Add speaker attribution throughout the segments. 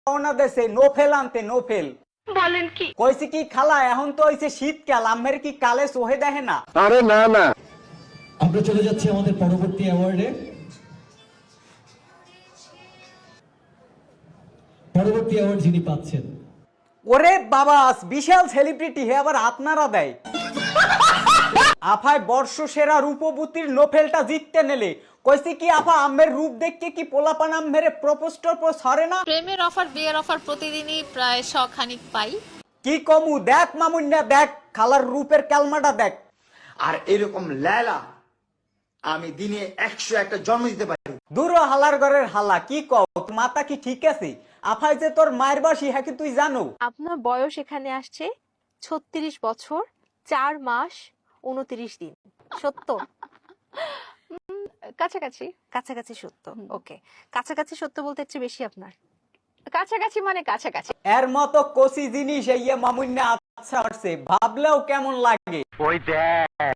Speaker 1: রওনা দেশে নোফেল আনতে নোফেল।
Speaker 2: বলেন কি?
Speaker 1: কইছি কি খালা এখন তো হইছে শীতকাল, আমের কি কালে সোহে দেখে না?
Speaker 3: আরে না না,
Speaker 4: আমরা চলে যাচ্ছি আমাদের পরবর্তী অ্যাওয়ার্ডে। পরবর্তী অ্যাওয়ার্ড যিনি পাচ্ছেন,
Speaker 1: ওরে বাবা, বিশাল সেলিব্রিটি হে, আবার আপনারা দেয়। আফায় বর্ষ সেরা রূপবতীর নোফেলটা জিততে নেলে কইছি কি আফা আমের রূপ দেখে কি পোলাপান আমের প্রপোজ টপোজ হরে না?
Speaker 5: প্রেমের অফার বিয়ের অফার প্রতিদিনই প্রায় শখানিক পাই।
Speaker 1: কি কমু, দেখ মামুন্যা দেখ, খালার রূপের ক্যালমাটা দেখ।
Speaker 6: আর এরকম লেলা আমি দিনে 101টা জন্ম দিতে পারি।
Speaker 1: দূর হালার ঘরের হালা, কি কও, মাথা কি ঠিক আছে? আফাই যে তোর মায়ের বাসি, হ্যাঁ কি তুই জানো?
Speaker 7: আপনার বয়স এখানে আসছে 36 বছর 4 মাস 29 দিন। সত্য?
Speaker 2: কাছাকাছি।
Speaker 7: কাছাকাছি সত্য। ওকে, কাছাকাছি সত্য বলতে একটু বেশি আপনার।
Speaker 2: কাছাকাছি মানে কাছাকাছি।
Speaker 1: এর মতো কষি জিনিস এই মামুন্যা আচ্ছা আসছে, ভাবলেও কেমন লাগে।
Speaker 3: ওই দেখ।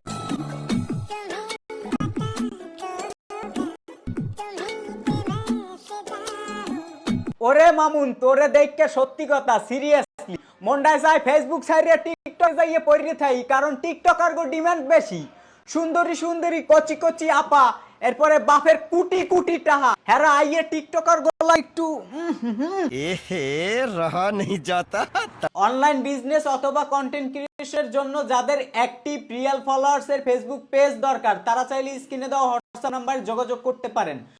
Speaker 1: ওরে মামুন, তোরে দেখকে সত্যি কথা সিরিয়াসলি মন্ডায় যায় ফেসবুক সাইডে টিকটক যাইয়ে পড়ে থাই, কারণ টিকটকার গো ডিমান্ড বেশি। সুন্দরী সুন্দরী কচি কচি আপা, এরপরে বাপের কুটি কুটি টাহা, হেরা আইয়ে টিকটকার গোলা একটু
Speaker 3: এহে রহা নেই যাতা।
Speaker 1: অনলাইন বিজনেস অথবা কন্টেন্ট ক্রিয়েশনের জন্য যাদের অ্যাক্টিভ রিয়েল ফলোয়ার্স এর ফেসবুক পেজ দরকার, তারা চাইলে স্ক্রিনে দেওয়া হোয়াটসঅ্যাপ নাম্বারে যোগাযোগ করতে পারেন।